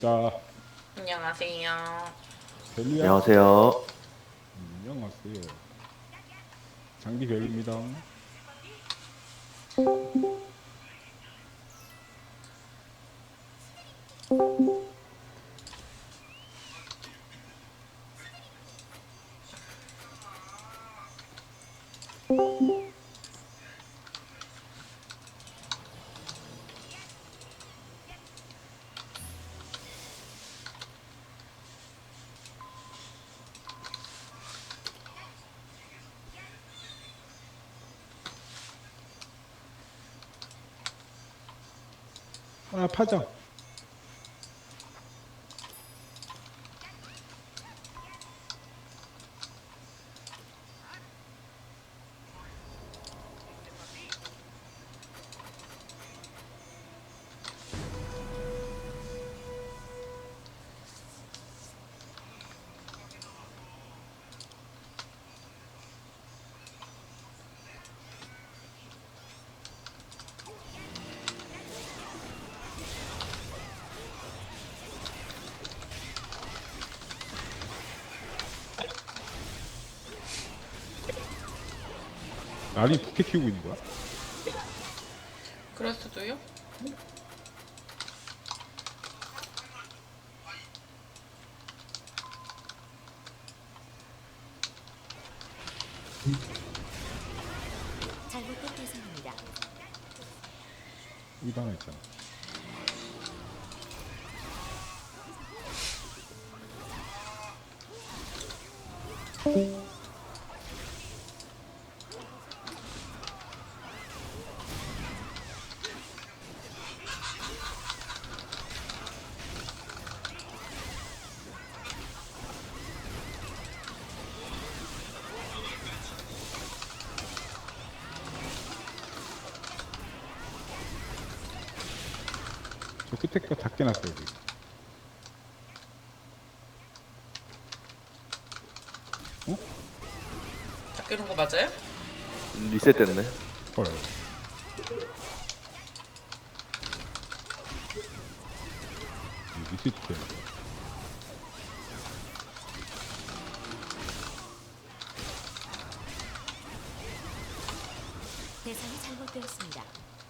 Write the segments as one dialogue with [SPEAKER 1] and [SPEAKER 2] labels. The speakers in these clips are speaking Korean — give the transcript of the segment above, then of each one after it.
[SPEAKER 1] 자,
[SPEAKER 2] 안녕하세요.
[SPEAKER 1] 벨루야.
[SPEAKER 3] 안녕하세요.
[SPEAKER 1] 안녕하세요. 장비 벨입니다. 아, 파장. 알이 부캐 키우고 있는 거야?
[SPEAKER 2] 그럴 수도요?
[SPEAKER 4] 잘못된 대상입니다.
[SPEAKER 1] 여기 하나 있잖아. 저 끝에 거 다 깨놨어, 여기.
[SPEAKER 2] 다 깨는 거 맞아요?
[SPEAKER 3] 리셋됐네.
[SPEAKER 1] 헐. 리셋 돼.
[SPEAKER 4] 대상이 잘못되었습니다.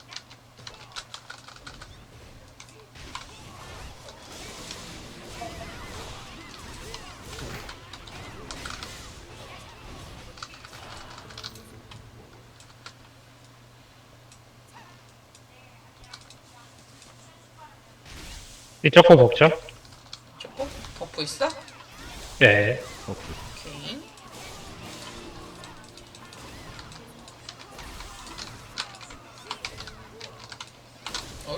[SPEAKER 5] 이쪽 거 먹죠?
[SPEAKER 2] 조금? 버프 있어?
[SPEAKER 5] 네.
[SPEAKER 2] 오케이. 어?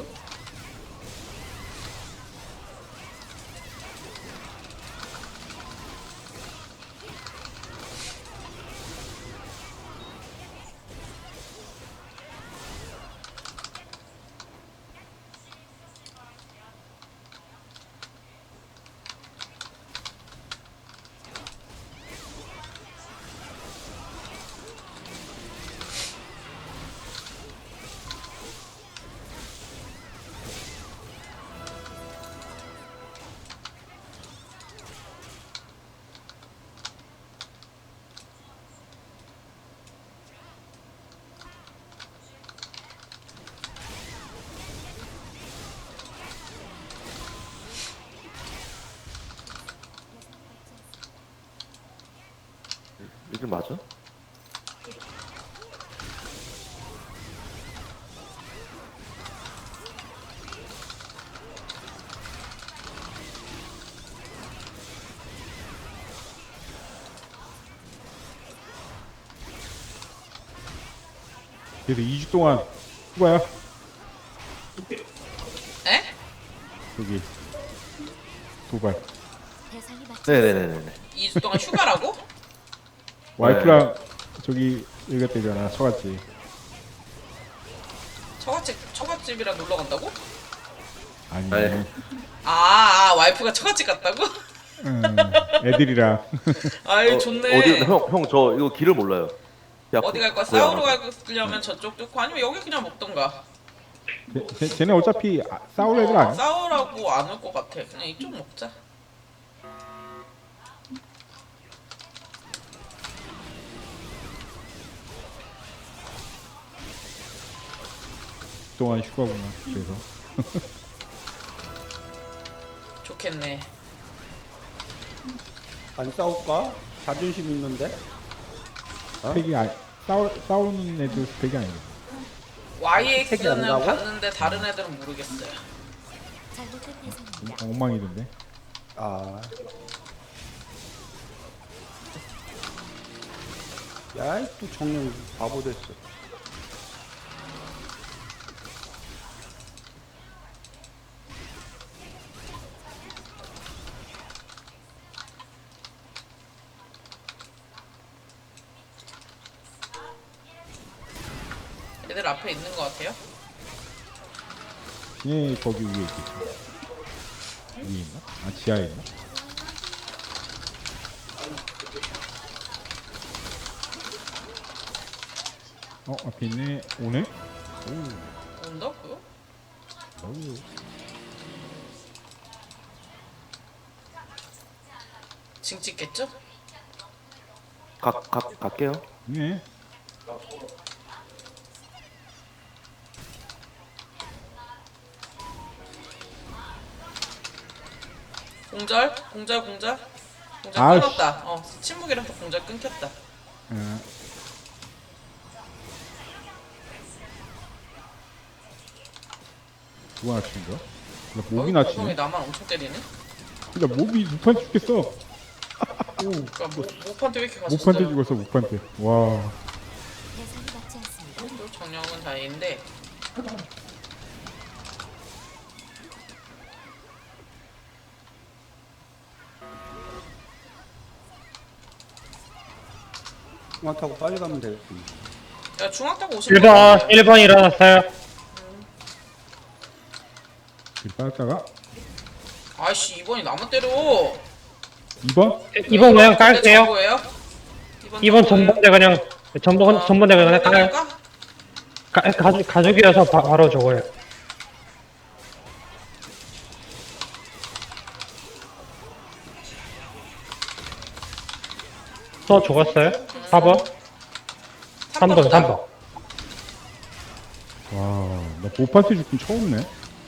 [SPEAKER 3] 이게 맞아?
[SPEAKER 1] 그래서 2주 동안 휴가야?
[SPEAKER 2] 에?
[SPEAKER 1] 여기. 도발.
[SPEAKER 4] 대상이 맞지
[SPEAKER 3] 네네네네.
[SPEAKER 2] 2주 동안 휴가라고?
[SPEAKER 1] 와이프랑 저기 여기 갔다 잖아 처갓집.
[SPEAKER 2] 처갓집이랑 놀러 간다고?
[SPEAKER 1] 아니.
[SPEAKER 3] 아니.
[SPEAKER 2] 와이프가 처갓집 갔다고?
[SPEAKER 1] 애들이랑.
[SPEAKER 2] 아유, 좋네.
[SPEAKER 3] 어디 형 저 이거 길을 몰라요.
[SPEAKER 2] 어디 갈 거야?
[SPEAKER 3] 거의 안
[SPEAKER 2] 싸우러
[SPEAKER 3] 와요.
[SPEAKER 2] 가려면 저쪽 뚫고 아니면 여기 그냥 먹던가.
[SPEAKER 1] 쟤네 어차피 싸울 애들 아니야?
[SPEAKER 2] 싸우라고 안 올 것 같아. 그냥 이쪽 먹자.
[SPEAKER 1] 그동안 휴가구나. 그래서
[SPEAKER 2] 좋겠네.
[SPEAKER 6] 안 싸울까? 자존심 있는데?
[SPEAKER 1] 스펙이 싸우는 애들 스펙이 아니야.
[SPEAKER 6] 색이 안
[SPEAKER 2] YX는
[SPEAKER 6] 나고?
[SPEAKER 2] 봤는데 다른 애들은 모르겠어요.
[SPEAKER 4] 잘못된 대상입니다.
[SPEAKER 1] 엉망이던데.
[SPEAKER 6] 아. 야이 또 정령 바보 됐어.
[SPEAKER 2] 애들 앞에 있는 것 같아요.
[SPEAKER 1] 얘 거기 위에 있겠지. 위에 있나? 아 지하에 있나? 앞에 있네. 오네?
[SPEAKER 2] 온다고요? 징 찍겠죠?
[SPEAKER 3] 갈게요.
[SPEAKER 1] 네.
[SPEAKER 2] 공절? 공절
[SPEAKER 1] 아이씨.
[SPEAKER 2] 끊었다. 침묵이라서 공절 끊겼다.
[SPEAKER 1] 누가 낮춘 거야? 나 목이
[SPEAKER 2] 거기
[SPEAKER 1] 낮추네.
[SPEAKER 2] 나만 엄청 때리네?
[SPEAKER 1] 나 목이 무판 죽겠어.
[SPEAKER 2] 그니까 목판테 왜 이렇게 가셨어요?
[SPEAKER 1] 목판테 죽었어 목판테. 와.
[SPEAKER 4] 대상이 맞지 않습니다.
[SPEAKER 2] 또 정령은 다행인데
[SPEAKER 6] 중앙 타고 빨리 가면 되겠지.
[SPEAKER 2] 야 중앙 타고 오시면
[SPEAKER 5] 1번 일어났어요.
[SPEAKER 1] 길 빠졌다가
[SPEAKER 2] 아이씨 2번이 나만 때려.
[SPEAKER 1] 2번?
[SPEAKER 5] 2번 그냥 깔게요.
[SPEAKER 2] 뭐예요?
[SPEAKER 5] 2번 전번대 그냥 전번대 그냥 깔아요. 가족이어서 바로 저거예요. 또 죽었어요? 4번? 3번.
[SPEAKER 1] 와, 나 목판테 죽긴 처음이네.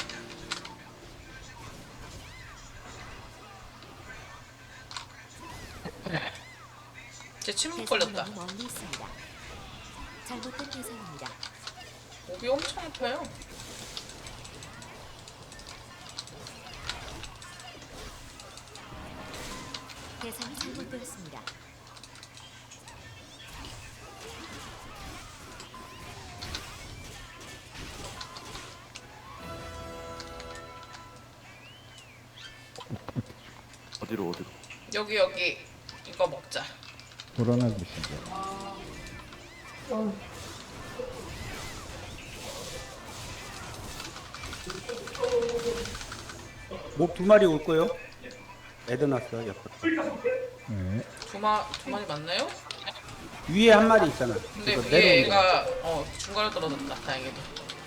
[SPEAKER 2] 제 침묵
[SPEAKER 4] 대상이
[SPEAKER 2] 걸렸다.
[SPEAKER 4] 너무 멀리 있습니다. 잘못된 대상입니다.
[SPEAKER 2] 목이 엄청 아파요.
[SPEAKER 4] 대상이 잘못되었습니다.
[SPEAKER 3] 어디로?
[SPEAKER 2] 여기 이거 먹자.
[SPEAKER 1] 돌아나고 있습니다.
[SPEAKER 6] 몹 2마리 올 거요? 애들 났어 옆에.
[SPEAKER 1] 네.
[SPEAKER 2] 두 마리 맞나요?
[SPEAKER 6] 위에 한 마리 있잖아.
[SPEAKER 2] 근데
[SPEAKER 6] 그거
[SPEAKER 2] 위에
[SPEAKER 6] 내려오는 거.
[SPEAKER 2] 얘가 중간에 떨어졌다. 다행히도.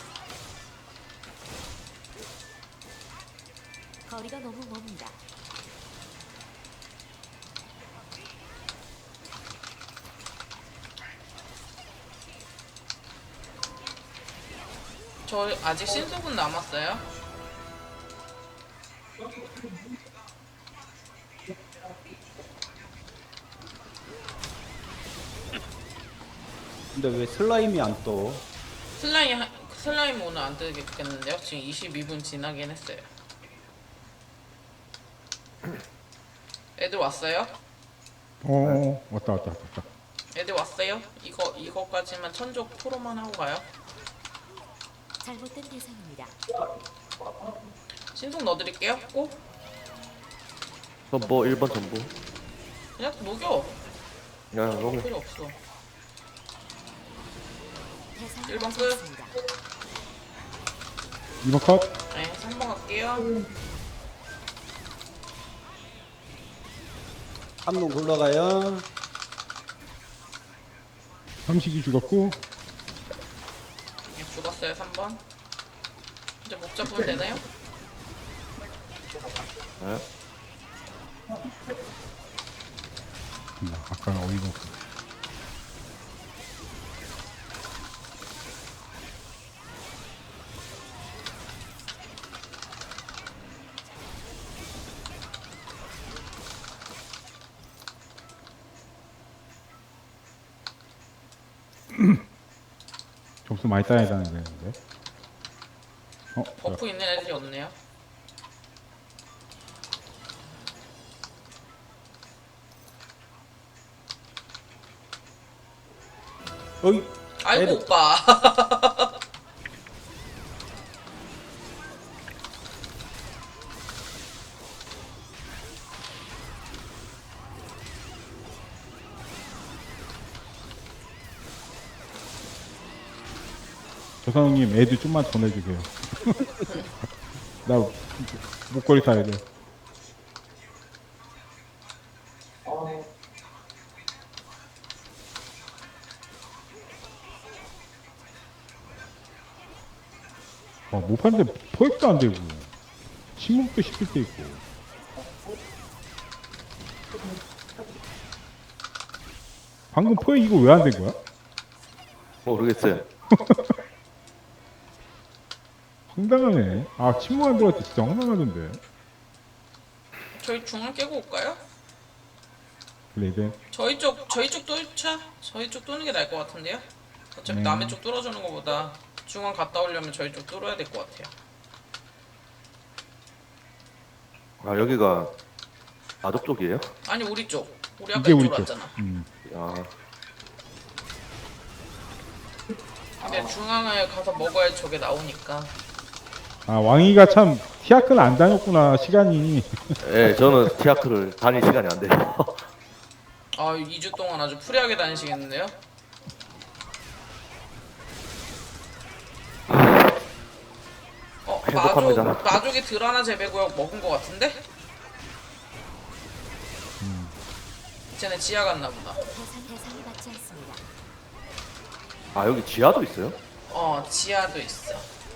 [SPEAKER 4] 거리가 너무 멉니다.
[SPEAKER 2] 저 아직 신속은 남았어요.
[SPEAKER 6] 근데 왜 슬라임이 안 떠?
[SPEAKER 2] 슬라임 오늘 안 뜨겠는데요? 지금 22분 지나긴 했어요. 애들 왔어요?
[SPEAKER 1] 왔다.
[SPEAKER 2] 애들 왔어요? 이거까지만 천적 토로만 하고 가요.
[SPEAKER 4] 잘못된 대상입니다.
[SPEAKER 2] 신속 넣어드릴게요. 꼭
[SPEAKER 3] 전보 1번 전보.
[SPEAKER 2] 그냥 녹여.
[SPEAKER 3] 야 너무
[SPEAKER 2] 필요 없어.
[SPEAKER 4] 대상이
[SPEAKER 2] 1번
[SPEAKER 4] 맞지
[SPEAKER 2] 끝.
[SPEAKER 4] 않습니다.
[SPEAKER 1] 2번 컷.
[SPEAKER 2] 네, 3번 갈게요.
[SPEAKER 6] 한 놈 굴러가요.
[SPEAKER 1] 삼식이 죽었고.
[SPEAKER 2] 네, 죽었어요. 3번. 이제 목 잡으면 되나요?
[SPEAKER 3] 네.
[SPEAKER 1] 아까 어이가 없어. 점수 많이 따야 되는데.
[SPEAKER 2] 버프 있는 애들이 없네요.
[SPEAKER 6] 어이,
[SPEAKER 2] 아이고
[SPEAKER 6] 애들.
[SPEAKER 2] 오빠.
[SPEAKER 1] 조상님 애들 좀만 더 내주세요. 나 목걸이 사야 돼. 못 파는데 포획도 안 되고 침묵도 시킬 때 있고. 방금 포획 이거 왜 안 된 거야?
[SPEAKER 3] 모르겠어요.
[SPEAKER 1] 황당하네. 아 침묵 안 들어갈 때 진짜 황당하던데.
[SPEAKER 2] 저희 중앙 깨고 올까요?
[SPEAKER 1] 레이덴.
[SPEAKER 2] 저희 쪽 뚫자. 저희 쪽 뚫는 게 나을 것 같은데요? 어차피
[SPEAKER 1] 네.
[SPEAKER 2] 남의 쪽 뚫어주는 것보다 중앙 갔다 오려면 저희 쪽 뚫어야 될 것 같아요.
[SPEAKER 3] 아 여기가 아적 쪽이에요?
[SPEAKER 2] 아니 우리 쪽. 우리 아까
[SPEAKER 1] 이게 우리
[SPEAKER 2] 이쪽으로
[SPEAKER 1] 쪽.
[SPEAKER 2] 왔잖아.
[SPEAKER 3] 아
[SPEAKER 2] 근데 중앙을 가서 먹어야 저게 나오니까.
[SPEAKER 1] 아 왕이가 참 티아크는 안 다녔구나 시간이.
[SPEAKER 3] 예, 저는 티아크를 다닐 시간이 안 돼요.
[SPEAKER 2] 아 2주 동안 아주 프리하게 다니시겠는데요?
[SPEAKER 3] 행복합니다.
[SPEAKER 2] 마족이 드라나 재배구역 먹은 것 같은데? 쟤네 지하 갔나 보다.
[SPEAKER 4] 대상이 받지 않습니다.
[SPEAKER 3] 아 여기 지하도 있어요?
[SPEAKER 2] 지하도 있어.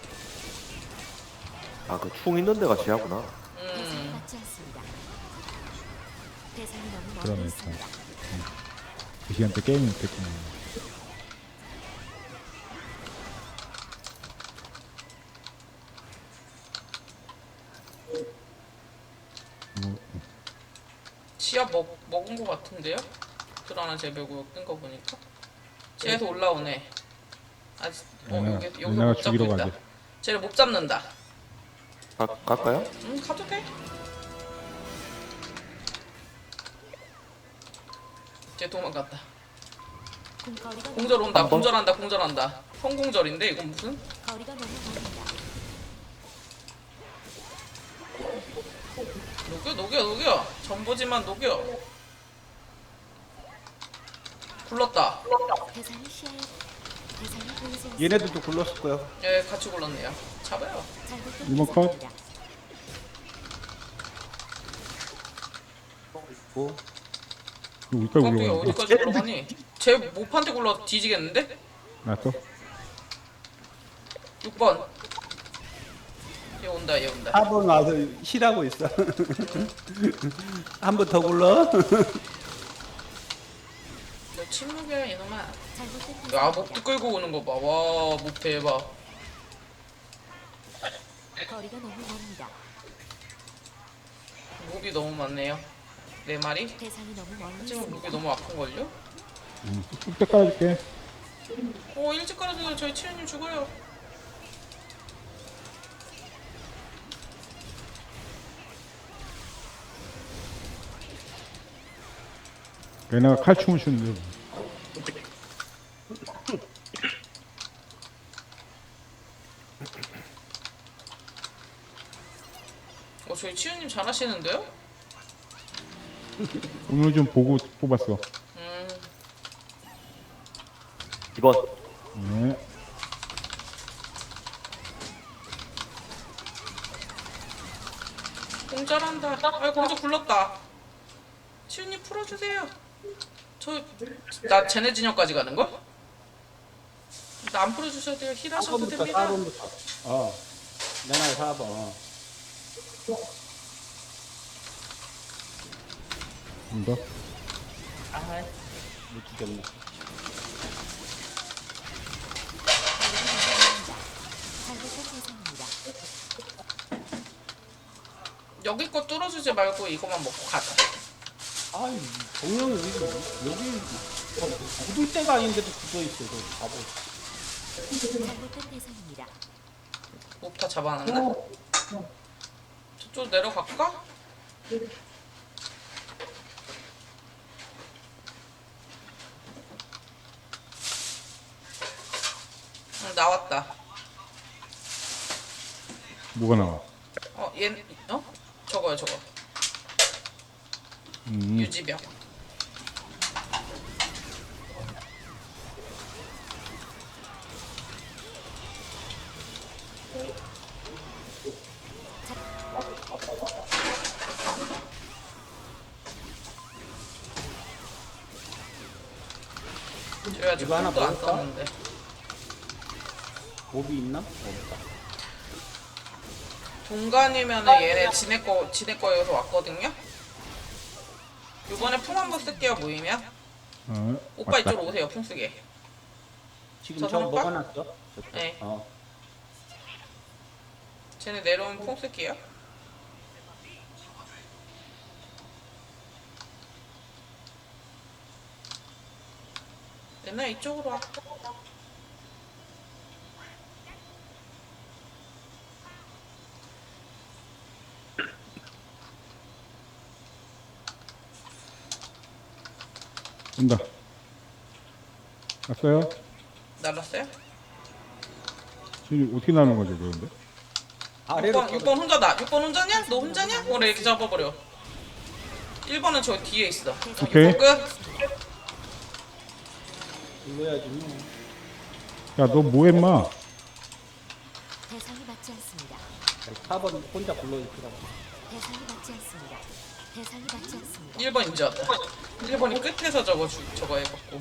[SPEAKER 3] 아 그 충 있는 데가 지하구나.
[SPEAKER 4] 대상이 받지 않습니다. 대상이 너무 멀리
[SPEAKER 1] 그러네.
[SPEAKER 4] 있습니다.
[SPEAKER 1] 그 시간대 게임이 못했구나.
[SPEAKER 2] 지하 먹은 것 같은데요? 드라나 재배구역 뜬 거 보니까. 지하에서 올라오네. 아직 여기서
[SPEAKER 1] 얘네가
[SPEAKER 2] 못 잡고
[SPEAKER 1] 죽이러
[SPEAKER 2] 있다.
[SPEAKER 1] 가지.
[SPEAKER 2] 쟤를 못 잡는다.
[SPEAKER 3] 갈까요?
[SPEAKER 2] 가도 돼. 쟤 도망갔다.
[SPEAKER 4] 거리가
[SPEAKER 2] 공절 온다.
[SPEAKER 3] 한 번?
[SPEAKER 2] 공절한다. 성공절인데 이건 무슨?
[SPEAKER 4] 거리가 너무 멀습니다.
[SPEAKER 2] 녹여. 전보지만 녹여. 굴렀다.
[SPEAKER 4] 대상이 시야에 대상이 보이지 않습니다.
[SPEAKER 6] 얘네들도 굴렀을 거예요.
[SPEAKER 2] 예, 같이 굴렀네요. 잡아요.
[SPEAKER 4] 잘못된
[SPEAKER 1] 이번 컷.
[SPEAKER 4] 대상입니다.
[SPEAKER 6] 뭐,
[SPEAKER 1] 우리까지
[SPEAKER 2] 깜짝이야,
[SPEAKER 1] 올라가.
[SPEAKER 2] 어디까지 굴러가니? 쟤 모판테 굴러 뒤지겠는데?
[SPEAKER 1] 나또
[SPEAKER 2] 6번. 얘 온다.
[SPEAKER 6] 4번 와서 쉬라고 있어. 한 번 더 굴러.
[SPEAKER 2] 너 침묵이야, 이놈아.
[SPEAKER 4] 잘못된
[SPEAKER 2] 야,
[SPEAKER 4] 대상입니다.
[SPEAKER 2] 목도 끌고 오는 거 봐. 와, 목 대박.
[SPEAKER 4] 거리가 너무 멉니다.
[SPEAKER 2] 목이 너무 많네요. 4마리?
[SPEAKER 4] 대상이 너무 멀리
[SPEAKER 2] 하지만
[SPEAKER 4] 있습니다.
[SPEAKER 2] 목이 너무 아픈걸요?
[SPEAKER 1] 쑥대 깔아줄게.
[SPEAKER 2] 일찍 깔아줘요. 저희 치유님 죽어요.
[SPEAKER 1] 얘네가 칼춤을 추는데.
[SPEAKER 2] 저희 치유님 잘하시는데요?
[SPEAKER 1] 오늘 좀 보고 뽑았어.
[SPEAKER 3] 2번.
[SPEAKER 1] 네.
[SPEAKER 2] 공절한다. 공절 굴렀다. 치유님 풀어주세요. 나 쟤네 진영까지 가는 거? 나 안 풀어주셔도 돼요. 힐하셔도
[SPEAKER 6] 4번부터,
[SPEAKER 2] 됩니다.
[SPEAKER 6] 4번부터. 내가 4번.
[SPEAKER 1] 이거
[SPEAKER 6] 아, 못 죽였네.
[SPEAKER 4] 잘못된 대상입니다.
[SPEAKER 2] 여기 거 뚫어주지 말고 이거만 먹고 가자.
[SPEAKER 6] 아이, 정령이 여기 굳을 때가 아닌데도 굳어있어, 저 바보.
[SPEAKER 4] 잘못된 대상입니다.
[SPEAKER 2] 목타 잡아놨나? 저쪽 내려갈까? 응, 나왔다.
[SPEAKER 1] 뭐가 나와?
[SPEAKER 2] 저거요, 저거. 유지병. 저희 아직
[SPEAKER 6] 이거 하나
[SPEAKER 2] 도 안
[SPEAKER 6] 먹을까?
[SPEAKER 2] 썼는데.
[SPEAKER 6] 몹이 있나? 없다.
[SPEAKER 2] 동간이면은 얘네 지네 거여서 왔거든요? 요번에 풍 한번 쓸게요, 모이면. 오빠
[SPEAKER 1] 맞다.
[SPEAKER 2] 이쪽으로 오세요, 풍 쓰게.
[SPEAKER 6] 지금
[SPEAKER 2] 저
[SPEAKER 6] 저
[SPEAKER 2] 선빵?
[SPEAKER 6] 먹어놨어? 저쪽.
[SPEAKER 2] 네.
[SPEAKER 6] 어.
[SPEAKER 2] 쟤네 내려오면 풍 쓸게요. 얘네 이쪽으로 와.
[SPEAKER 1] 온다. 왔어요?
[SPEAKER 2] 날랐어요?
[SPEAKER 1] 지금 어떻게 나는 거죠, 그런데?
[SPEAKER 6] 아래로
[SPEAKER 2] 6번 혼자다. 6번 혼자냐? 너 혼자냐? 그래, 이렇게 잡아버려. 1번은 저 뒤에 있어.
[SPEAKER 1] 오케이.
[SPEAKER 2] 끝.
[SPEAKER 6] 눌러야지. 뭐.
[SPEAKER 1] 야, 너 뭐 했마?
[SPEAKER 4] 대상이 맞지 않습니다.
[SPEAKER 6] 4번 혼자 불러있더라고.
[SPEAKER 4] 대상이 맞지 않습니다. 대상이 맞지 않습니다.
[SPEAKER 2] 1번 인지 왔다. 1번이 끝에서 저거 해갖고.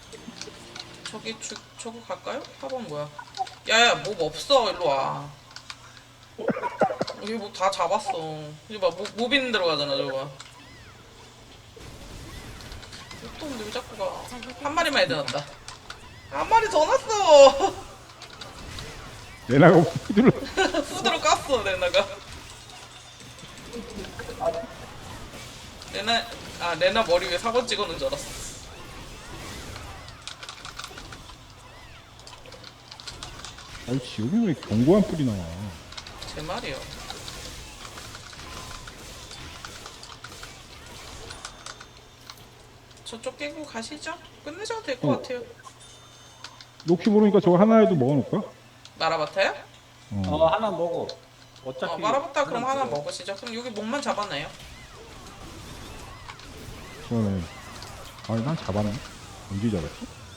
[SPEAKER 2] 저거 갈까요? 4번 뭐야? 야야, 몹 없어. 일로 와. 여기 뭐 다 잡았어. 이거 봐, 몹 있는 데로 가잖아, 저거 봐. 또 근데 왜 자꾸 가? 한 마리만 애들 났다. 한 마리 더 났어.
[SPEAKER 1] 내나가 후드를
[SPEAKER 2] 후드로 깠어, 레나가. 레나 머리 위에 사고 찍어놓은 줄 알았어.
[SPEAKER 1] 아니, 지금이 왜 견고한 뿔이 나와?
[SPEAKER 2] 제 말이요. 저쪽 깨고 가시죠? 끝내셔도 될 것 같아요.
[SPEAKER 1] 혹시 모르니까 저거 하나라도 먹어놓을까?
[SPEAKER 2] 마라바타요?
[SPEAKER 6] 하나 먹어. 어차피.
[SPEAKER 2] 마라바타 그럼 하나 먹으시죠. 그럼 여기 몸만 잡았나요?
[SPEAKER 1] 저거는. 아니, 난 잡았네. 언제 잡았지?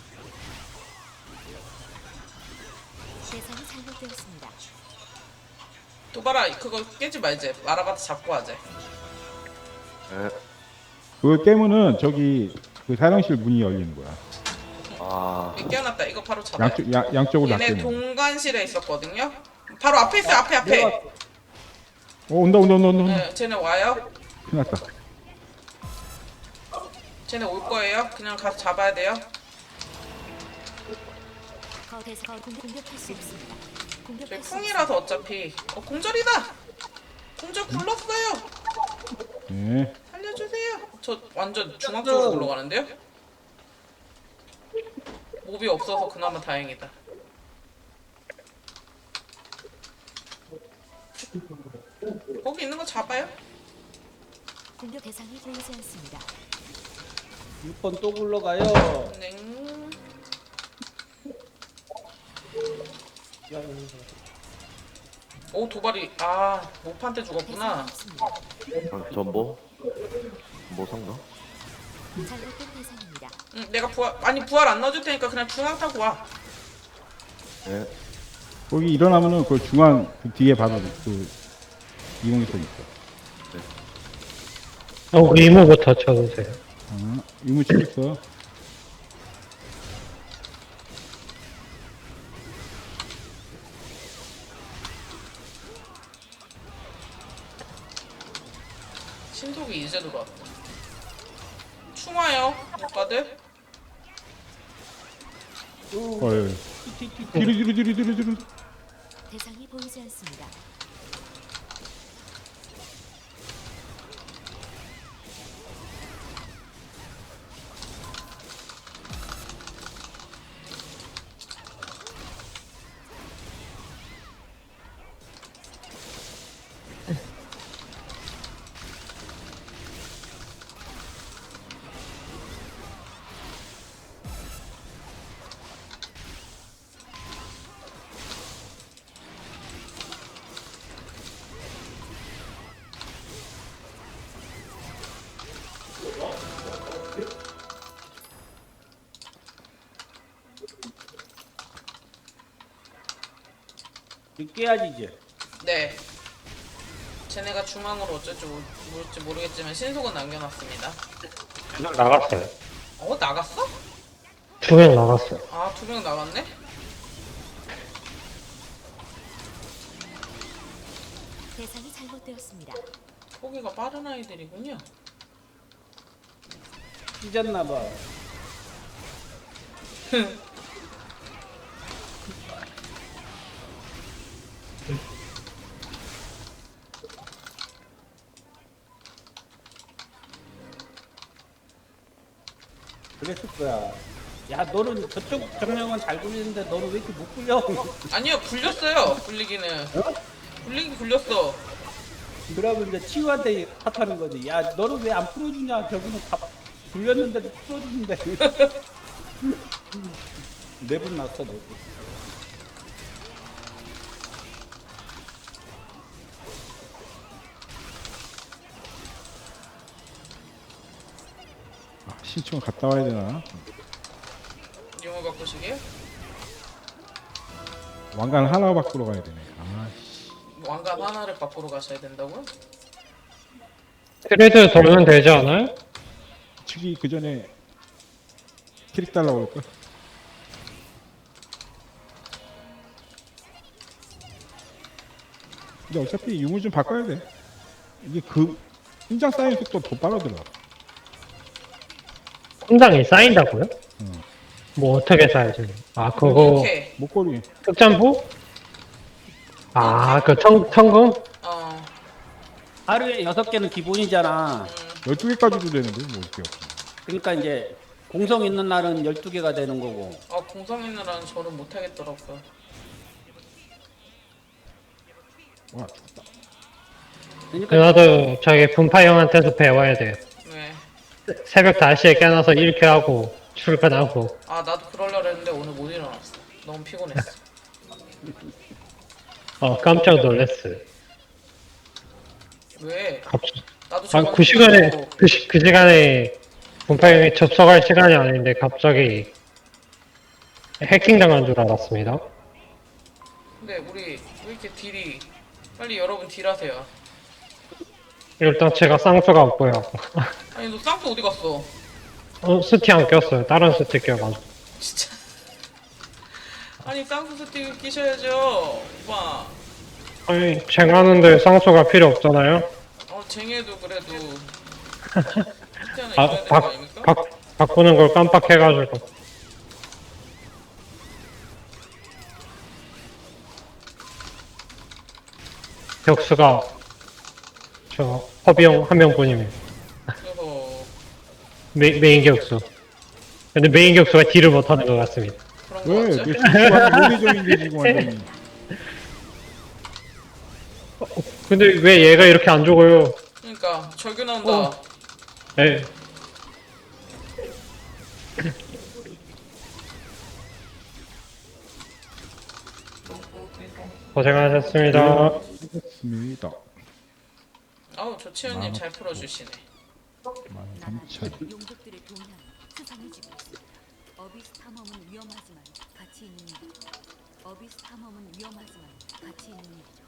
[SPEAKER 4] 대상이 잘못되었습니다.
[SPEAKER 2] 도바라 그거 깨지 말지. 마라바타 잡고 하재.
[SPEAKER 3] 네.
[SPEAKER 1] 그걸 깨면은 저기 그 사령실 문이 열리는 거야.
[SPEAKER 3] 아,
[SPEAKER 2] 여기 깨어났다. 이거 바로 잡아요.
[SPEAKER 1] 양쪽으로 다
[SPEAKER 2] 얘네
[SPEAKER 1] 깨면.
[SPEAKER 2] 동간실에 있었거든요. 바로 앞에 있어요. 앞에.
[SPEAKER 1] 온다.
[SPEAKER 2] 네, 쟤네 와요.
[SPEAKER 1] 큰일 났다.
[SPEAKER 2] 쟤네 올 거예요. 그냥 가서 잡아야 돼요.
[SPEAKER 4] 대상 공격할 수 없습니다.
[SPEAKER 2] 저희
[SPEAKER 4] 공격할 수
[SPEAKER 2] 풍이라서 어차피. 공절이다. 공절 굴렀어요.
[SPEAKER 1] 네.
[SPEAKER 2] 살려주세요. 저 완전 중앙 쪽으로 굴러가는데요? 몹이 없어서 그나마 다행이다. 거기 있는 거 잡아요?
[SPEAKER 4] 공격 대상이 보이지 않습니다.
[SPEAKER 6] 6번 또 굴러가요.
[SPEAKER 2] 네. 오 도발이 모판테 죽었구나.
[SPEAKER 4] 대상이 없습니다.
[SPEAKER 3] 전보? 뭐 상가?
[SPEAKER 4] 잘못된 대상입니다.
[SPEAKER 2] 내가 부활 안 넣어줄 테니까 그냥 중앙 타고 와.
[SPEAKER 3] 네.
[SPEAKER 1] 거기 일어나면은 그 중앙 그 뒤에 바로 그 이용기선 있어.
[SPEAKER 5] 의무부터 쳐주세요.
[SPEAKER 1] 이모 치겠어.
[SPEAKER 2] 신속이 이제 들어왔다. 충화요, 오빠들.
[SPEAKER 1] 헐. 뒤로.
[SPEAKER 4] 대상이 보이지 않습니다.
[SPEAKER 6] 깨야지 이제.
[SPEAKER 2] 네. 쟤네가 중앙으로 어쩔지 모를지 모르겠지만 신속은 남겨놨습니다.
[SPEAKER 5] 그냥 나갔어요.
[SPEAKER 2] 어, 나갔어?
[SPEAKER 5] 2명 나갔어요.
[SPEAKER 2] 아, 2명 나갔네?
[SPEAKER 4] 대상이 잘못되었습니다.
[SPEAKER 2] 포기가 빠른 아이들이군요.
[SPEAKER 6] 삐졌나봐. 그랬을 거야. 야, 너는 저쪽 정령은 잘 굴리는데 너는 왜 이렇게 못 굴려?
[SPEAKER 2] 아니요, 굴렸어요. 굴리기는. 굴리긴 굴렸어.
[SPEAKER 6] 그러면 이제 치유한테 탓하는 거지. 야, 너는 왜 안 풀어주냐? 저기는 다 굴렸는데도 풀어주는데. 내분 났어, 내분.
[SPEAKER 1] 아, 신청 갔다 와야 되나?
[SPEAKER 2] 용을 바꾸시게요?
[SPEAKER 1] 왕관 하나 바꾸러 가야 되네. 아, 씨.
[SPEAKER 2] 왕관 하나를 바꾸러 가셔야 된다고요?
[SPEAKER 5] 트레이드 돌면 되지 않아요?
[SPEAKER 1] 치기 그 전에 캐릭 달라고 할까? 근데 어차피 유물 좀 바꿔야 돼. 이게 그 심장 쌓이는 속도 더 빠르더라.
[SPEAKER 5] 혼장이 쌓인다고요?
[SPEAKER 1] 응.
[SPEAKER 5] 뭐 어떻게 쌓여지? 아 그거
[SPEAKER 2] 이렇게.
[SPEAKER 1] 목걸이
[SPEAKER 5] 특전부? 아 그 청금?
[SPEAKER 2] 어.
[SPEAKER 6] 하루에 6개는 기본이잖아.
[SPEAKER 1] 12개까지도 되는데 뭐 어떻게 없어.
[SPEAKER 6] 그러니까 이제 공성 있는 날은 12개가 되는 거고.
[SPEAKER 2] 아, 공성 있는 한 저는 못하겠더라고요.
[SPEAKER 1] 와, 좋다.
[SPEAKER 6] 그러니까
[SPEAKER 5] 나도 저기 분파 형한테서 배워야 돼요.
[SPEAKER 2] 네.
[SPEAKER 5] 새벽 5시에 깨어나서 1회 하고 출근하고.
[SPEAKER 2] 아, 나도 그러려고 했는데 오늘 못 일어났어. 너무 피곤했어.
[SPEAKER 5] 깜짝 놀랐어.
[SPEAKER 2] 왜?
[SPEAKER 5] 갑자기.
[SPEAKER 2] 나도
[SPEAKER 5] 아, 그 시간에,
[SPEAKER 2] 저번에
[SPEAKER 5] 그 시간에 분파형이 접속할 시간이 아닌데 갑자기 해킹 당한 줄 알았습니다.
[SPEAKER 2] 근데 우리 왜 이렇게 딜이 빨리 여러분 딜하세요.
[SPEAKER 5] 일단 제가 쌍수가 없고요.
[SPEAKER 2] 아니, 너 쌍수 어디 갔어?
[SPEAKER 5] 스티 안 꼈어요. 다른 스티 껴가지고.
[SPEAKER 2] 진짜. 아니, 쌍수 스틱 끼셔야죠, 오빠.
[SPEAKER 5] 아니, 쟁하는데 쌍수가 필요 없잖아요.
[SPEAKER 2] 쟁해도 그래도 스틱 하나
[SPEAKER 5] 아,
[SPEAKER 2] 입어야 되는 거 아닙니까?
[SPEAKER 5] 바꾸는 걸 깜빡해가지고. 격수가 저 허비형 한 명뿐이에요.
[SPEAKER 2] 그래서
[SPEAKER 5] 메인 격수. 근데 메인 격수가 딜을 못하는 것 같습니다.
[SPEAKER 2] 그런 거
[SPEAKER 1] 왜?
[SPEAKER 2] 같죠?
[SPEAKER 1] 내 실수하는 논리적인데 지금 완전히.
[SPEAKER 5] 근데 왜 얘가 이렇게 안 죽어요?
[SPEAKER 2] 그러니까 절규 나온다.
[SPEAKER 5] 에. 고생하셨습니다.
[SPEAKER 1] 좋습니다.
[SPEAKER 2] 아우, 조치현님 잘 풀어주시네.
[SPEAKER 1] 13,000.
[SPEAKER 4] 용족들의 동향 수상해지고 있습니다. 어비스 탐험은 위험하지만 가치 있는 일. 어비스 탐험은 위험하지만 가치 있는 일이죠.